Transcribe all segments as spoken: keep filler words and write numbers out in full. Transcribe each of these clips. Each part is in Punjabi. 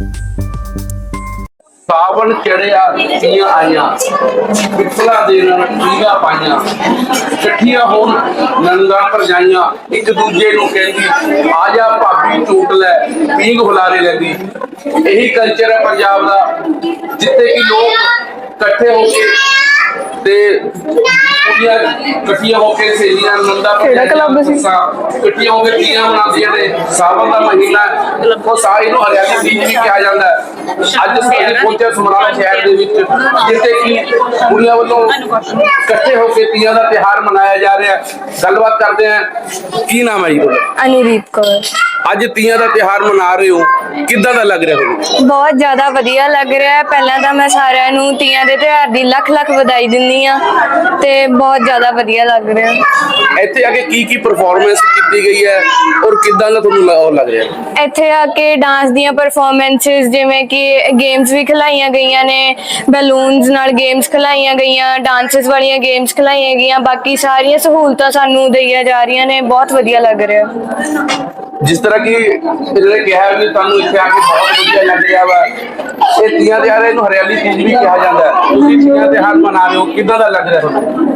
ਸਾਵਣ ਚੜਿਆ ਤੀਆਂ ਆਈਆਂ ਪਿੱਪਲਾਂ ਦੇ ਨਾਲ ਪੀਂਘਾਂ ਪਾਈਆਂ ਇਕੱਠੀਆਂ ਹੋਣ ਨੰਗਾ ਭਰਜਾਈਆਂ ਇੱਕ ਦੂਜੇ ਨੂੰ ਕਹਿੰਦੀ ਆ ਜਾ ਭਾਬੀ ਝੂਟ ਲੈ ਪੀਂਘ ਹੁਲਾਰੇ ਲੈਂਦੀ। ਇਹੀ ਕਲਚਰ ਹੈ ਪੰਜਾਬ ਦਾ ਜਿੱਥੇ ਕਿ ਲੋਕ ਇਕੱਠੇ ਹੋ ਕੇ ਤੇ ਕੁੜੀਆਂ ਇਕੱਠੀਆਂ ਹੋ ਕੇ ਸਹੇਲੀਆਂ ਨੰਦਾ ਇਕੱਠੀਆਂ ਹੋ ਕੇ ਤੀਆਂ ਮਨਾਉਂਦੀਆਂ ਨੇ। ਸਾਵਣ ਦਾ ਮਹੀਨਾ ਉਹ ਸਾਰੀ ਨੂੰ ਹਰਿਆਲੀ ਬੀਜ ਵੀ ਕਿਹਾ ਜਾਂਦਾ ਹੈ। ਅੱਜ ਅਸੀਂ ਪਹੁੰਚੇ ਸਮਰਾਲਾ ਸ਼ਹਿਰ ਦੇ ਵਿੱਚ ਜਿੱਥੇ ਕਿ ਕੁੜੀਆਂ ਵੱਲੋਂ ਇਕੱਠੇ ਹੋ ਕੇ ਤੀਆਂ ਦਾ ਤਿਉਹਾਰ ਮਨਾਇਆ ਜਾ ਰਿਹਾ। ਗੱਲਬਾਤ ਕਰਦੇ ਹਾਂ। ਕੀ ਨਾਮ ਹੈ ਜੀ ਤੁਹਾਡਾ? ਅਨੀਦੀਪ ਕੌਰ। ਅੱਜ ਤੀਆਂ ਦਾ ਤਿਉਹਾਰ ਮਨਾ ਰਹੇ ਹੋ, ਕਿੱਦਾਂ ਦਾ ਲੱਗ ਰਿਹਾ ਤੁਹਾਨੂੰ? ਬਹੁਤ ਜ਼ਿਆਦਾ ਵਧੀਆ ਲੱਗ ਰਿਹਾ ਹੈ। ਪਹਿਲਾਂ ਤਾਂ ਮੈਂ ਸਾਰਿਆਂ ਨੂੰ ਤੀਆਂ ਦੇ ਤਿਉਹਾਰ ਦੀ ਲੱਖ ਲੱਖ ਵਧਾਈ ਦਿੰਦੀ ਆ ਤੇ ਬਹੁਤ ਜ਼ਿਆਦਾ ਵਧੀਆ ਲੱਗ ਰਿਹਾ। ਇੱਥੇ ਆ ਕੇ ਕੀ ਕੀ ਪਰਫਾਰਮੈਂਸ ਕੀਤੀ ਗਈ ਹੈ ਔਰ ਕਿੱਦਾਂ ਦਾ ਤੁਹਾਨੂੰ ਲੱਗ ਰਿਹਾ? ਇੱਥੇ ਆ ਕੇ ਡਾਂਸ ਦੀਆਂ ਪਰਫਾਰਮੈਂਸਿਸ ਜਿਵੇਂ ਕਿ ਗੇਮਸ ਵੀ ਖਿਲਾਈਆਂ ਗਈਆਂ ਨੇ, ਬੈਲੂਨਸ ਨਾਲ ਗੇਮਸ ਖਿਲਾਈਆਂ ਗਈਆਂ, ਡਾਂਸਸ ਵਾਲੀਆਂ ਗੇਮਸ ਖਿਲਾਈਆਂ ਗਈਆਂ, ਬਾਕੀ ਸਾਰੀਆਂ ਸਹੂਲਤਾਂ ਸਾਨੂੰ ਦਈਆਂ ਜਾ ਰਹੀਆਂ ਨੇ। ਬਹੁਤ ਵਧੀਆ ਲੱਗ ਰਿਹਾ। ਜਿਸ ਤਰ੍ਹਾਂ ਕਿ ਇਹਨੇ ਕਿਹਾ ਵੀ ਤੁਹਾਨੂੰ ਇੱਥੇ ਆ ਕੇ ਬਹੁਤ ਵਧੀਆ ਲੱਗ ਰਿਹਾ ਵਾ। ਇਹ ਤੀਆਂ ਤਿਉਹਾਰ ਇਹਨੂੰ ਹਰਿਆਲੀ ਚੀਜ਼ ਵੀ ਕਿਹਾ ਜਾਂਦਾ ਹੈ। ਤੁਸੀਂ ਤੀਆਂ ਤਿਉਹਾਰ ਮਨਾ ਰਹੇ ਹੋ, ਕਿੱਦਾਂ ਦਾ ਲੱਗ ਰਿਹਾ ਤੁਹਾਨੂੰ?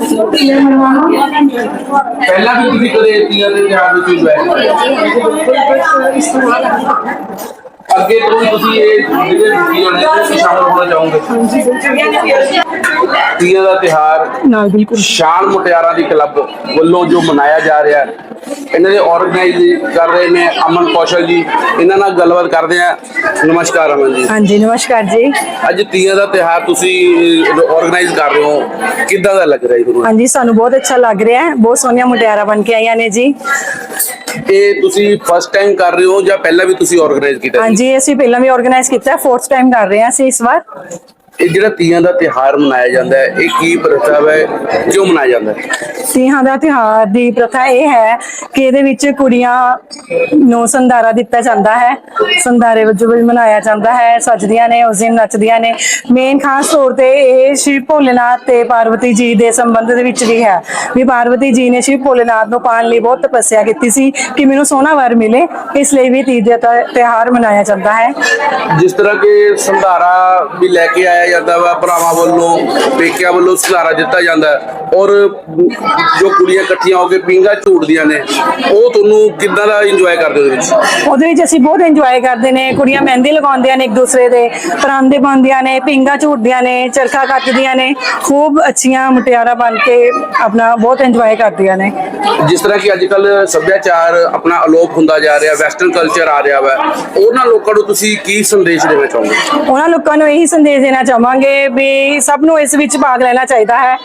ਪਹਿਲਾਂ ਵੀ ਤੁਸੀਂ ਕਦੇ ਤੀਆਂ ਦੇ ਤਿਉਹਾਰ ਵਿੱਚ ਇੰਜੋਏ ਅੱਗੇ ਤੋਂ ਵੀ ਤੁਸੀਂ ਇਹ ਜਿਹੜੇ ਤੀਆਂ ਨੇ ਤੁਸੀਂ ਸ਼ਾਮਲ ਹੋਣਾ ਚਾਹੋਗੇ? ਤੀਆਂ ਦਾ ਤਿਉਹਾਰ ਨਾਲ ਬਿਲਕੁਲ ਸ਼ਾਨ ਮੁਟਿਆਰਾਂ ਦੀ ਕਲੱਬ ਵੱਲੋਂ ਜੋ ਮਨਾਇਆ ਜਾ ਰਿਹਾ ਹੈ, ਇਹਨਾਂ ਦੇ ਆਰਗੇਨਾਈਜ਼ ਕਰ ਰਹੇ ਨੇ ਅਮਨ ਕੌਸ਼ਲ ਜੀ। ਇਹਨਾਂ ਨਾਲ ਗੱਲਬਾਤ ਕਰਦੇ ਆ। ਨਮਸਕਾਰ ਅਮਨ ਜੀ। ਹਾਂਜੀ ਨਮਸਕਾਰ ਜੀ। ਅੱਜ ਤੀਆਂ ਦਾ ਤਿਉਹਾਰ ਤੁਸੀਂ ਆਰਗੇਨਾਈਜ਼ ਕਰ ਰਹੇ ਹੋ, ਕਿੱਦਾਂ ਦਾ ਲੱਗ ਰਿਹਾ ਜੀ ਤੁਹਾਨੂੰ? ਹਾਂਜੀ ਸਾਨੂੰ ਬਹੁਤ ਅੱਛਾ ਲੱਗ ਰਿਹਾ ਹੈ। ਬਹੁਤ ਸੋਹਣੀਆਂ ਮੁਟਿਆਰਾਂ ਬਣ ਕੇ ਆਈਆਂ ਨੇ ਜੀ। ਇਹ ਤੁਸੀਂ ਫਸਟ ਟਾਈਮ ਕਰ ਰਹੇ ਹੋ ਜਾਂ ਪਹਿਲਾਂ ਵੀ ਤੁਸੀਂ ਆਰਗੇਨਾਈਜ਼ ਕੀਤਾ? ਹਾਂਜੀ ਅਸੀਂ ਪਹਿਲਾਂ ਵੀ ਆਰਗੇਨਾਈਜ਼ ਕੀਤਾ ਹੈ, ਫੋਰਥ ਟਾਈਮ ਕਰ ਰਹੇ ਹਾਂ ਅਸੀਂ ਇਸ ਵਾਰ। ਇਹ ਜਿਹੜਾ ਤੀਆਂ ਦਾ ਤਿਉਹਾਰ ਮਨਾਇਆ ਜਾਂਦਾ ਹੈ, ਇਹ ਕੀ ਪ੍ਰਥਾ ਹੈ, ਕਿਉਂ ਮਨਾਇਆ ਜਾਂਦਾ ਹੈ? ਤੀਆਂ ਦਾ ਤਿਉਹਾਰ ਦੀ ਪ੍ਰਥਾ ਇਹ ਹੈ ਕਿ ਇਹਦੇ ਵਿੱਚ ਕੁੜੀਆਂ ਨੂੰ ਸੰਧਾਰਾ ਦਿੱਤਾ ਜਾਂਦਾ ਹੈ, ਸੰਧਾਰੇ ਵਜੋਂ ਵੀ ਮਨਾਇਆ ਜਾਂਦਾ ਹੈ। ਸੱਜਦੀਆਂ ਨੇ ਉਸ ਦਿਨ, ਨੱਚਦੀਆਂ ਨੇ। ਮੇਨ ਖਾਸ ਤੌਰ ਤੇ ਇਹ ਸ਼ਿਵ ਭੋਲੇਨਾਥ ਤੇ ਪਾਰਵਤੀ ਜੀ ਦੇ ਸੰਬੰਧ ਦੇ ਵਿੱਚ ਵੀ ਹੈ ਵੀ ਪਾਰਵਤੀ ਜੀ ਨੇ ਸ਼ਿਵ ਭੋਲੇਨਾਥ ਨੂੰ ਪਾਉਣ ਲਈ ਬਹੁਤ ਤਪੱਸਿਆ ਕੀਤੀ ਸੀ ਕਿ ਮੈਨੂੰ ਸੋਹਣਾ ਵਰ ਮਿਲੇ, ਇਸ ਲਈ ਵੀ ਤੀਜ ਦਾ ਤਿਉਹਾਰ ਮਨਾਇਆ ਜਾਂਦਾ ਹੈ। ਜਿਸ ਤਰ੍ਹਾਂ ਕਿ ਸੰਧਾਰਾ ਵੀ ਲੈ ਕੇ ਆਇਆ ਜਾਂਦਾ ਵਾ, ਭਰਾਵਾਂ ਵੱਲੋਂ ਪੇਕਿਆਂ ਵੱਲੋਂ ਸੰਧਾਰਾ ਦਿੱਤਾ ਜਾਂਦਾ ਔਰ ਜੋ ਕੁੜੀਆਂ ਇਕੱਠੀਆਂ ਹੋ ਕੇ ਪੀਂਘਾਂ ਝੂਟਦੀਆਂ ਨੇ, ਉਹ ਤੁਹਾਨੂੰ ਕਿੱਦਾਂ ਦਾ ਇੰਜੋਏ ਕਰਦੇ ਉਹਦੇ ਵਿੱਚ? ਉਹਦੇ ਵਿੱਚ ਅਸੀਂ ਬਹੁਤ ਇੰਜੋਏ ਕਰਦੇ ਨੇ। ਕੁੜੀਆਂ ਮਹਿੰਦੀ ਲਗਾਉਂਦੀਆਂ ਨੇ ਇੱਕ ਦੂਸਰੇ ਦੇ, ਪਰਾਂਦੇ ਪਾਉਂਦੀਆਂ ਨੇ, ਪੀਂਘਾਂ ਝੂਟਦੀਆਂ ਨੇ, ਚਰਖਾ ਕੱਤਦੀਆਂ ਨੇ। ਖੂਬ ਅੱਛੀਆਂ ਮੁਟਿਆਰਾਂ ਬਣ ਕੇ ਆਪਣਾ ਬਹੁਤ ਇੰਜੋਏ ਕਰਦੀਆਂ ਨੇ। ਜਿਸ ਤਰ੍ਹਾਂ ਕਿ ਅੱਜ ਕੱਲ ਸੱਭਿਆਚਾਰ ਆਪਣਾ ਅਲੋਪ ਹੁੰਦਾ ਜਾ ਰਿਹਾ, ਵੈਸਟਰਨ ਕਲਚਰ ਆ ਰਿਹਾ ਵਾ, ਉਹਨਾਂ ਲੋਕਾਂ ਨੂੰ ਤੁਸੀਂ ਕੀ ਸੰਦੇਸ਼ ਦੇਣਾ ਚਾਹੋਗੇ? ਉਹਨਾਂ ਲੋਕਾਂ ਨੂੰ ਇਹੀ ਸੰਦੇਸ਼ ਦੇਣਾ ਚਾਹਾਂਗੇ ਵੀ ਸਭ ਨੂੰ ਇਸ ਵਿੱਚ ਭਾਗ ਲੈਣਾ ਚਾਹੀਦਾ ਹੈ।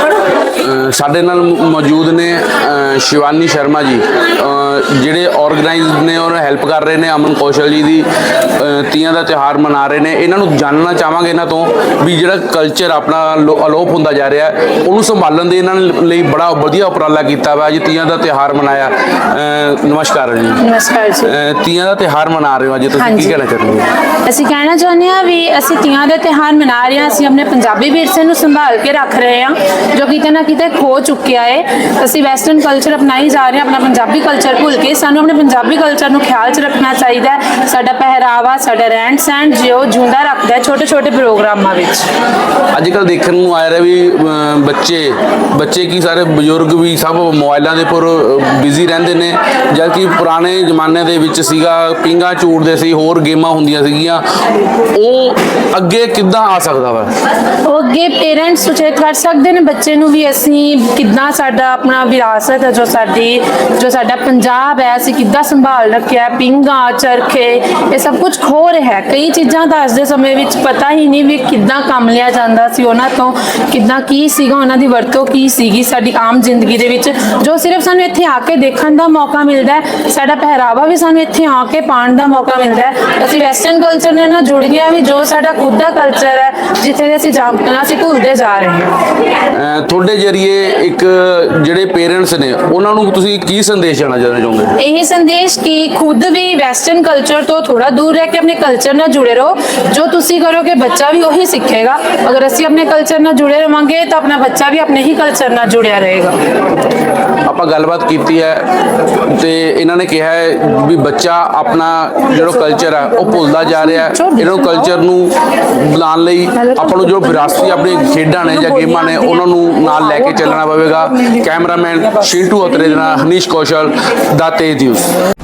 ਸਾਡੇ ਨਾਲ ਮੌਜੂਦ ਨੇ ਸ਼ਿਵਾਨੀ ਸ਼ਰਮਾ ਜੀ, ਜਿਹੜੇ ਆਰਗੇਨਾਈਜ਼ ਨੇ ਔਰ ਹੈਲਪ ਕਰ ਰਹੇ ਨੇ ਅਮਨ ਕੌਸ਼ਲ ਜੀ ਦੀ। ਤੀਆਂ ਦਾ ਤਿਉਹਾਰ ਮਨਾ ਰਹੇ ਨੇ। ਇਹਨਾਂ ਨੂੰ ਜਾਣਨਾ ਚਾਹਾਂਗੇ ਇਹਨਾਂ ਤੋਂ ਵੀ ਜਿਹੜਾ ਕਲਚਰ ਆਪਣਾ ਅਲੋਪ ਹੁੰਦਾ ਜਾ ਰਿਹਾ, ਉਹਨੂੰ ਸੰਭਾਲਣ ਦੇ ਇਹਨਾਂ ਲਈ ਬੜਾ ਵਧੀਆ ਉਪਰਾਲਾ ਕੀਤਾ ਵਾ। ਅੱਜ ਤੀਆਂ ਦਾ ਤਿਉਹਾਰ ਮਨਾਇਆ। ਨਮਸਕਾਰ ਜੀ। ਨਮਸਕਾਰ ਜੀ। ਤੀਆਂ ਦਾ ਤਿਉਹਾਰ ਮਨਾ ਰਹੇ ਹੋ, ਅੱਜ ਤੁਸੀਂ ਕੀ ਕਹਿਣਾ ਚਾਹੁੰਦੇ ਹੋ? ਅਸੀਂ ਕਹਿਣਾ ਚਾਹੁੰਦੇ ਹਾਂ ਵੀ ਅਸੀਂ ਤੀਆਂ ਦਾ ਤਿਉਹਾਰ ਮਨਾ ਰਹੇ ਹਾਂ। ਅਸੀਂ ਆਪਣੇ ਪੰਜਾਬੀ ਵਿਰਸੇ ਨੂੰ ਸੰਭਾਲ ਕੇ ਰੱਖ ਰਹੇ ਹਾਂ ਜੋ ਕਿਤੇ ਨਾ ਕਿਤੇ ਖੋ ਚੁੱਕਿਆ ਹੈ। ਅਸੀਂ ਵੈਸਟਰਨ ਕਲਚਰ ਅਪਣਾਈ ਜਾ ਰਹੇ ਹਾਂ, ਆਪਣਾ ਪੰਜਾਬੀ ਕਲਚਰ ਭੁੱਲ ਕੇ। ਸਾਨੂੰ ਆਪਣੇ ਪੰਜਾਬੀ ਕਲਚਰ ਨੂੰ ਖਿਆਲ 'ਚ ਰੱਖਣਾ ਚਾਹੀਦਾ ਹੈ। ਸਾਡਾ ਪਹਿਰਾਵਾ, ਸਾਡਾ ਰਹਿਣ ਸਹਿਣ ਜੋ ਜਿਉਂਦਾ ਰੱਖਦਾ ਹੈ ਛੋਟੇ ਛੋਟੇ ਪ੍ਰੋਗਰਾਮਾਂ ਵਿੱਚ। ਅੱਜ ਕੱਲ੍ਹ ਦੇਖਣ ਨੂੰ ਆ ਰਿਹਾ ਵੀ ਬੱਚੇ ਬੱਚੇ ਕੀ ਸਾਰੇ ਬਜ਼ੁਰਗ ਵੀ ਸਭ ਮੋਬਾਈਲਾਂ ਦੇ ਉੱਪਰ ਬਿਜ਼ੀ ਰਹਿੰਦੇ ਨੇ, ਜਦ ਕਿ ਪੁਰਾਣੇ ਜ਼ਮਾਨੇ ਦੇ ਵਿੱਚ ਸੀਗਾ ਪੀਂਘਾਂ ਝੂਟਦੇ ਸੀ, ਹੋਰ ਗੇਮਾਂ ਹੁੰਦੀਆਂ ਸੀਗੀਆਂ। ਉਹ ਅੱਗੇ ਕਿੱਦਾਂ ਆ ਸਕਦਾ ਵਾ? ਉਹ ਅੱਗੇ ਪੇਰੈਂਟਸ ਸੁਚੇਤ ਕਰ ਸਕਦੇ ਨੇ ਬੱਚੇ ਨੂੰ ਵੀ ਅਸੀਂ ਕਿੱਦਾਂ ਸਾਡਾ ਆਪਣਾ ਵਿਰਾਸਤ ਹੈ, ਜੋ ਸਾਡੀ ਜੋ ਸਾਡਾ ਪੰਜਾਬ ਹੈ, ਅਸੀਂ ਕਿੱਦਾਂ ਸੰਭਾਲ ਰੱਖਿਆ। ਪੀਂਘਾਂ, ਚਰਖੇ, ਇਹ ਸਭ ਕੁਝ ਖੋ ਰਿਹਾ ਹੈ। ਕਈ ਚੀਜ਼ਾਂ ਤਾਂ ਅੱਜ ਦੇ ਸਮੇਂ ਵਿੱਚ ਪਤਾ ਹੀ ਨਹੀਂ ਵੀ ਕਿੱਦਾਂ ਕੰਮ ਲਿਆ ਜਾਂਦਾ ਸੀ ਉਹਨਾਂ ਤੋਂ, ਕਿੱਦਾਂ ਕੀ ਸੀਗਾ, ਉਹਨਾਂ ਦੀ ਵਰਤੋਂ ਕੀ ਸੀਗੀ ਸਾਡੀ ਆਮ ਜ਼ਿੰਦਗੀ ਦੇ ਵਿੱਚ, ਜੋ ਸਿਰਫ ਸਾਨੂੰ ਇੱਥੇ ਆ ਕੇ ਦੇਖਣ ਦਾ ਮੌਕਾ ਮਿਲਦਾ ਹੈ। ਸਾਡਾ ਪਹਿਰਾਵਾ ਵੀ ਸਾਨੂੰ ਇੱਥੇ ਆ ਕੇ ਪਾਉਣ ਦਾ ਮੌਕਾ ਮਿਲਦਾ ਹੈ। ਅਸੀਂ ਵੈਸਟਰਨ ਕਲਚਰ ਨਾਲ ਜੁੜ ਗਏ ਵੀ ਜੋ ਸਾਡਾ ਖੁਦ ਦਾ ਕਲਚਰ ਕਲਚਰ ਹੈ ਜਿੱਥੇ ਦੇ ਅਸੀਂ ਜਾਣਨਾ ਅਸੀਂ ਭੁੱਲਦੇ ਜਾ ਰਹੇ ਹਾਂ। ਅਹ ਤੁਹਾਡੇ ਜਰੀਏ ਇੱਕ ਜਿਹੜੇ ਪੇਰੈਂਟਸ ਨੇ ਉਹਨਾਂ ਨੂੰ ਤੁਸੀਂ ਕੀ ਸੰਦੇਸ਼ ਦੇਣਾ ਚਾਹੁੰਦੇ? ਇਹ ਸੰਦੇਸ਼ ਕਿ ਖੁਦ ਵੀ ਵੈਸਟਰਨ ਕਲਚਰ ਤੋਂ ਥੋੜਾ ਦੂਰ ਰਹਿ ਕੇ ਆਪਣੇ ਕਲਚਰ ਨਾਲ ਜੁੜੇ ਰਹੋ। ਜੋ ਤੁਸੀਂ ਕਰੋਗੇ ਬੱਚਾ ਵੀ ਉਹੀ ਸਿੱਖੇਗਾ। ਅਗਰ ਅਸੀਂ ਆਪਣੇ ਕਲਚਰ ਨਾਲ ਜੁੜੇ ਰਵਾਂਗੇ ਤਾਂ ਆਪਣਾ ਬੱਚਾ ਵੀ ਆਪਣੇ ਹੀ ਕਲਚਰ ਨਾਲ ਜੁੜਿਆ ਰਹੇਗਾ। ਆਪਾਂ ਗੱਲਬਾਤ ਕੀਤੀ ਹੈ ਤੇ ਇਹਨਾਂ ਨੇ ਕਿਹਾ ਹੈ ਵੀ ਬੱਚਾ ਆਪਣਾ ਜਿਹੜਾ ਕਲਚਰ ਹੈ ਉਹ ਭੁੱਲਦਾ ਜਾ ਰਿਹਾ ਹੈ। ਇਹਨਾਂ ਨੂੰ ਕਲਚਰ ਨੂੰ ਬੁਲਾਉਣ ਲਈ ਆਪਾਂ ਨੂੰ ਜੋ ਵਿਰਾਸਤੀ ਆਪਣੇ ਖੇਡਾਂ ਨੇ ਜਾਂ ਗੇਮਾਂ ਨੇ ਉਹਨਾਂ ਨੂੰ ਨਾਲ ਲੈ ਕੇ ਚੱਲਣਾ ਪਵੇਗਾ। ਕੈਮਰਾਮੈਨ ਸ਼ਿੰਟੂ ਅਤਰੇ ਦੇ ਨਾਲ ਹਨੀਸ਼ ਕੌਸ਼ਲ ਦਾ ਤੇਜ ਨਿਊਜ਼।